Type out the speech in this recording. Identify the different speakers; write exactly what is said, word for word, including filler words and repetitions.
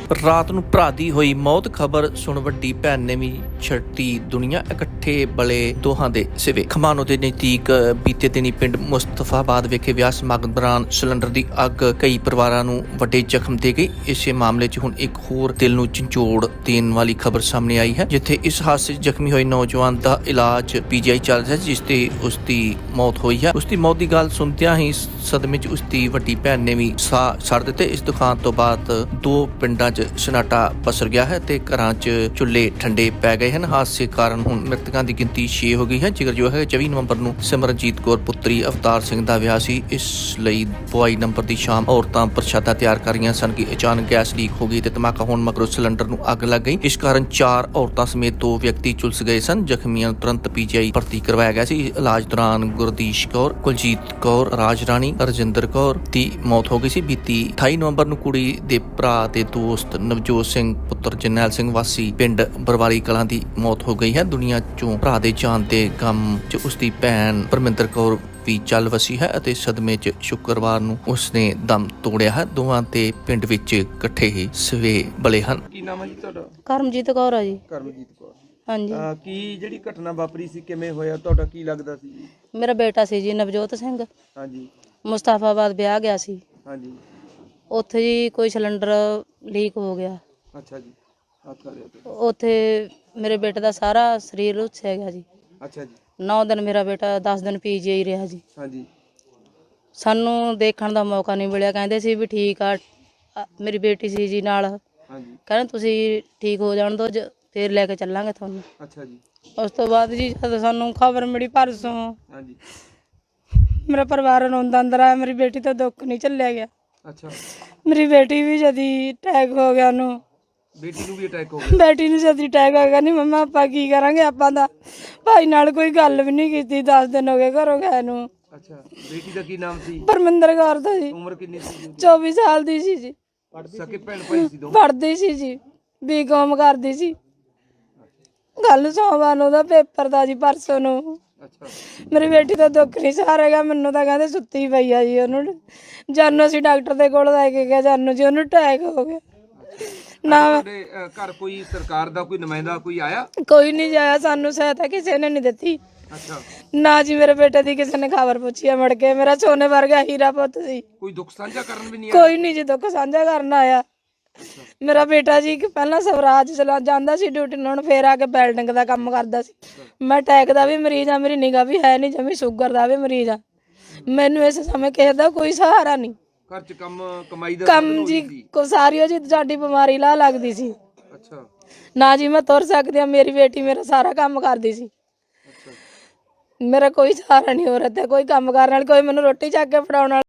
Speaker 1: ਰਾਤ ਨੂੰ ਭਰਾ ਦੀ ਹੋਈ ਮੌਤ ਖਬਰ ਸੁਣ ਵੱਡੀ ਭੈਣ ਨੇ ਵੀ ਛੱਡੀ ਦੁਨੀਆ। ਇਕੱਠੇ ਬਲੇ ਦੋਹਾਂ ਦੇ ਸਿਵੇ। ਖਮਾਣੋ ਦੇ ਨਜ਼ਦੀਕ ਬੀਤੇ ਦਿਨੀ ਪਿੰਡ ਮੁਸਤਫਾਬਾਦ ਵਿਖੇ ਵਿਆਹ ਸਮਾਗਮ ਦੌਰਾਨ ਸਿਲੰਡਰ ਦੀ ਅੱਗ ਕਈ ਪਰਿਵਾਰਾਂ ਨੂੰ ਵੱਡੇ ਜ਼ਖਮ ਦੇ ਗਈ। ਇਸੇ ਮਾਮਲੇ 'ਚ ਹੁਣ ਇੱਕ ਹੋਰ ਦਿਲ ਨੂੰ ਝੰਜੋੜ ਦੇਣ ਵਾਲੀ ਖਬਰ ਸਾਹਮਣੇ ਆਈ ਹੈ, ਜਿੱਥੇ ਇਸ ਹਾਦਸੇ 'ਚ ਜ਼ਖਮੀ ਹੋਏ ਨੌਜਵਾਨ ਦਾ ਇਲਾਜ ਪੀਜੀਆਈ ਚੱਲ ਰਿਹਾ, ਜਿਸ ਤੇ ਉਸ ਦੀ ਮੌਤ ਹੋਈ ਹੈ। ਉਸ ਦੀ ਮੌਤ ਦੀ ਗੱਲ ਸੁਣਦਿਆਂ ਹੀ ਸਦਮੇ 'ਚ ਉਸ ਦੀ ਵੱਡੀ ਭੈਣ ਨੇ ਵੀ ਸਾਹ ਛੱਡ ਦਿੱਤੇ। ਇਸ ਦੁਕਾਨ ਤੋਂ ਬਾਅਦ ਦੋ ਪਿੰਡਾਂ 'ਚ ਸਨਾਟਾ ਪਸਰ ਗਿਆ ਹੈ ਤੇ ਘਰਾਂ 'ਚ ਚੁੱਲ੍ਹੇ ਠੰਡੇ ਪੈ ਗਏ ਹਨ। ਹਾਦਸੇ ਕਾਰਨ ਹੁਣ ਮ੍ਰਿਤਕਾਂ ਦੀ ਗਿਣਤੀ ਛੇ ਹੋ ਗਈ ਹੈ। ਜ਼ਿਕਰਯੋਗ ਹੈ ਚੌਵੀ ਨਵੰਬਰ ਨੂੰ ਸਿਮਰਨਜੀਤ ਕੌਰ ਪੁੱਤਰੀ ਅਵਤਾਰ ਸਿੰਘ ਦਾ ਵਿਆਹ ਸੀ। ਇਸ ਲਈ ਬੁਆਈ ਨੰਬਰ ਦੀ ਸ਼ਾਮ ਔਰਤਾਂ ਪ੍ਰਸ਼ਾਦਾ ਤਿਆਰ ਕਰ ਰਹੀਆਂ ਸਨ ਕਿ ਅਚਾਨਕ ਗੈਸ ਲੀਕ ਹੋ ਗਈ ਤੇ ਧਮਾਕਾ ਹੋਣ ਮਗਰੋਂ ਸਿਲੰਡਰ ਨੂੰ ਅੱਗ ਲੱਗ ਗਈ। ਇਸ ਕਾਰਨ ਚਾਰ ਔਰਤਾਂ ਸਮੇਤ ਦੋ ਵਿਅਕਤੀ ਝੁਲਸ ਗਏ ਸਨ। ਜ਼ਖਮੀਆਂ ਨੂੰ ਤੁਰੰਤ ਪੀਜੀਆਈ ਭਰਤੀ ਕਰਵਾਇਆ ਗਿਆ ਸੀ। ਇਲਾਜ ਦੌਰਾਨ ਗੁਰਦੀਸ਼ ਕੌਰ, ਕੁਲਜੀਤ ਕੌਰ, ਰਾਜ ਰਾਣੀ, ਰਜਿੰਦਰ ਕੌਰ ਦੀ ਮੌਤ ਹੋ ਗਈ ਸੀ। ਬੀਤੀ ਅਠਾਈ ਨਵੰਬਰ ਨੂੰ ਕੁੜੀ ਦੇ ਭਰਾ ਦੇ ਦੋਸਤ ਨਵਜੋਤ ਸਿੰਘ ਪੁੱਤਰ ਜਰਨੈਲ ਸਿੰਘ ਵਾਸੀ ਪਿੰਡ ਬਰਵਾਲੀ ਕਲਾਂ ਦੀ ਮੌਤ ਹੋ ਗਈ ਹੈ। ਦੁਨੀਆ ਚੋਂ ਭਰਾ ਦੇ ਜਾਣ ਦੇ ਗਮ 'ਚ ਉਸ ਦੀ ਭੈਣ ਪਰਮਿੰਦਰ ਕੌਰ ਵੀ ਚੱਲ ਵਸੀ ਹੈ ਅਤੇ ਸਦਮੇ 'ਚ ਸ਼ੁੱਕਰਵਾਰ ਨੂੰ ਉਸਨੇ ਦਮ ਤੋੜਿਆ ਹੈ। ਦੋਵਾਂ ਤੇ ਪਿੰਡ ਵਿੱਚ ਇਕੱਠੇ ਹੀ ਸਵੇ ਬਲੇ ਹਨ।
Speaker 2: ਕੀ ਨਾਮ ਹੈ ਜੀ ਤੁਹਾਡਾ?
Speaker 3: ਕਰਮਜੀਤ ਕੌਰ ਆ ਜੀ।
Speaker 2: ਕਰਮਜੀਤ ਕੌਰ।
Speaker 3: ਹਾਂਜੀ।
Speaker 2: ਅਹ ਕੀ ਜਿਹੜੀ ਘਟਨਾ ਵਾਪਰੀ ਸੀ, ਕਿਵੇਂ ਹੋਇਆ, ਤੁਹਾਡਾ ਕੀ ਲੱਗਦਾ ਸੀ ਜੀ?
Speaker 3: ਮੇਰਾ ਬੇਟਾ ਸੀ ਜੀ ਨਵਜੋਤ ਸਿੰਘ।
Speaker 2: ਹਾਂਜੀ
Speaker 3: ਮੁਸਤਾਫਾਬਾਦ ਵਿਆਹ ਗਿਆ ਸੀ।
Speaker 2: ਹਾਂਜੀ।
Speaker 3: ਉੱਥੇ ਜੀ ਕੋਈ ਸਿਲੰਡਰ ਲੀਕ ਹੋ ਗਿਆ।
Speaker 2: ਅੱਛਾ ਜੀ, ਹੱਥ ਆ ਰਿਹਾ ਤੇ।
Speaker 3: ਉੱਥੇ ਮੇਰੇ ਬੇਟੇ ਦਾ ਸਾਰਾ ਸਰੀਰ ਰੁੱਸਿਆ ਗਿਆ ਜੀ।
Speaker 2: ਅੱਛਾ ਜੀ।
Speaker 3: ਨੌ ਦਿਨ ਮੇਰਾ ਬੇਟਾ ਦਸ ਦਿਨ ਪੀਜੀਆਈ ਰਿਹਾ ਜੀ।
Speaker 2: ਹਾਂਜੀ।
Speaker 3: ਸਾਨੂੰ ਦੇਖਣ ਦਾ ਮੌਕਾ ਨਹੀਂ ਮਿਲਿਆ। ਕਹਿੰਦੇ ਸੀ ਵੀ ਠੀਕ ਆ, ਅ, ਮੇਰੀ ਬੇਟੀ ਸੀ ਜੀ ਨਾਲ।
Speaker 2: ਹਾਂਜੀ।
Speaker 3: ਕਹਿੰਦੇ ਤੁਸੀਂ ਠੀਕ ਹੋ ਜਾਣ ਦਿਓ, ਜ- ਫਿਰ ਲੈ ਕੇ ਚੱਲਾਂਗੇ ਤੁਹਾਨੂੰ।
Speaker 2: ਅੱਛਾ ਜੀ।
Speaker 3: ਉਸ ਤੋਂ ਬਾਅਦ ਜੀ ਜਦੋਂ ਸਾਨੂੰ ਖਬਰ ਮਿਲੀ ਪਰਸੋਂ,
Speaker 2: ਹਾਂਜੀ।
Speaker 3: ਮੇਰਾ ਪਰਿਵਾਰ ਰੋਂਦਾ ਅੰਦਰ ਆਇਆ। ਮੇਰੀ ਬੇਟੀ ਤੋਂ ਦੁੱਖ ਨਹੀਂ ਝੱਲਿਆ ਗਿਆ।
Speaker 2: ਅੱਛਾ।
Speaker 3: ਮੇਰੀ ਬੇਟੀ ਵੀ ਜਦੀ ਅਟੈਕ ਹੋ ਗਿਆ ਉਹਨੂੰ।
Speaker 2: ਬੇਟੀ ਨੂੰ ਵੀ ਅਟੈਕ ਹੋ ਗਿਆ?
Speaker 3: ਬੇਟੀ ਨੂੰ ਜਦੀ ਅਟੈਕ ਹੋ ਗਿਆ। ਨਹੀਂ ਮੰਮਾ ਆਪਾਂ ਕੀ ਕਰਾਂਗੇ, ਆਪਾਂ ਦਾ ਭਾਈ ਨਾਲ ਕੋਈ ਗੱਲ ਵੀ ਨਹੀਂ ਕੀਤੀ। ਦਸ ਦਿਨ ਹੋ ਗਏ ਘਰੋਂ ਗਏ ਨੂੰ।
Speaker 2: ਅੱਛਾ। ਬੇਟੀ ਦਾ ਕੀ ਨਾਮ ਸੀ?
Speaker 3: ਪਰਮਿੰਦਰ ਕੌਰ ਦਾ ਜੀ।
Speaker 2: ਉਮਰ ਕਿੰਨੀ ਸੀ ਜੀ?
Speaker 3: ਚੌਵੀ ਸਾਲ ਦੀ ਸੀ ਜੀ।
Speaker 2: ਸਕੇ ਭੈਣ ਭਾਈ ਸੀ ਦੋ?
Speaker 3: ਪੜ੍ਹਦੀ ਸੀ ਜੀ, ਬੀਕਾਮ ਕਰਦੀ ਸੀ। ਕੱਲ ਸੋਮਵਾਰ ਨੂੰ ਉਹਦਾ ਪੇਪਰ ਦਾ ਜੀ, ਪਰਸੋਂ ਨੂੰ।
Speaker 2: ਅੱਛਾ।
Speaker 3: ਮੇਰੀ ਬੇਟੀ ਤਾਂ ਦੁੱਖ ਨਹੀਂ ਸਹਾਰੇਗਾ। ਮੈਨੂੰ ਤਾਂ ਕਹਿੰਦੇ ਸੁੱਤੀ ਪਈ ਆ ਜੀ। ਉਹਨੂੰ ਜਾਨੂ ਅਸੀਂ ਡਾਕਟਰ ਦੇ ਕੋਲ ਲੈ ਕੇ ਗਏ, ਜਾਨੂ ਜੀ ਉਹਨੂੰ ਅਟੈਕ ਹੋ ਗਿਆ। ਨਾ
Speaker 2: ਤੁਹਾਡੇ ਅਹ, ਘਰ ਕੋਈ ਸਰਕਾਰ ਦਾ ਕੋਈ ਨੁਮਾਇੰਦਾ ਕੋਈ ਆਇਆ?
Speaker 3: ਕੋਈ ਨਹੀਂ ਜਾਇਆ, ਸਾਨੂੰ ਸਹਾਇਤਾ ਕਿਸੇ ਨੇ ਨਹੀਂ ਦਿੱਤੀ।
Speaker 2: ਅੱਛਾ।
Speaker 3: ਨਾ ਜੀ ਮੇਰੇ ਬੇਟੇ ਦੀ ਕਿਸੇ ਨੇ ਖਬਰ ਪੁੱਛੀ ਆ ਮੁੜ ਕੇ। ਮੇਰਾ ਸੋਨੇ ਵਰਗਾ ਹੀਰਾ ਪੁੱਤ ਸੀ।
Speaker 2: ਕੋਈ ਦੁੱਖ ਸਾਂਝਾ ਕਰਨ ਵੀ ਨਹੀਂ ਆਇਆ?
Speaker 3: ਕੋਈ ਨਹੀਂ ਜੀ ਦੁੱਖ ਸਾਂਝਾ ਕਰਨ ਆਇਆ। ਮੇਰਾ ਬੇਟਾ ਜੀ ਪਹਿਲਾਂ ਸਵਰਾਜ ਚਲਾ ਜਾਂਦਾ ਸੀ ਡਿਊਟੀ, ਹੁਣ ਫੇਰ ਆ ਕੇ ਬਿਲਡਿੰਗ ਦਾ ਕੰਮ ਕਰਦਾ ਸੀ। ਮੈਂ ਅਟੈਕ ਦਾ ਵੀ ਮਰੀਜ਼ ਆ, ਮੇਰੀ ਨਿਗਾਹ ਵੀ ਹੈ ਨਹੀਂ ਜਮੀ, ਸ਼ੂਗਰ ਦਾ ਵੀ ਮਰੀਜ਼ ਆ। ਮੈਨੂੰ ਇਸ ਸਮੇਂ ਕਿਸੇ ਦਾ ਕੋਈ ਸਹਾਰਾ ਨਹੀਂ।
Speaker 2: ਘਰ ਚ ਕੰਮ ਕਮਾਈ ਦਾ
Speaker 3: ਕੰਮ ਜੀ ਕੋ ਸਾਰੀ ਜੀ ਸਾਡੀ ਬਿਮਾਰੀ ਲਾ ਲੱਗਦੀ ਸੀ।
Speaker 2: ਅੱਛਾ।
Speaker 3: ਨਾ ਜੀ ਮੈਂ ਤੁਰ ਸਕਦੀ ਆ। ਮੇਰੀ ਬੇਟੀ ਮੇਰਾ ਸਾਰਾ ਕੰਮ ਕਰਦੀ ਸੀ।
Speaker 2: ਅੱਛਾ।
Speaker 3: ਮੇਰਾ ਕੋਈ ਸਹਾਰਾ ਨਹੀਂ ਹੋ ਰਿਹਾ ਤੇ ਕੋਈ ਕੰਮ ਕਰਨ ਵਾਲੀ, ਕੋਈ ਮੈਨੂੰ ਰੋਟੀ ਚੱਕ ਕੇ ਫੜਾਉਣ ਵਾਲਾ।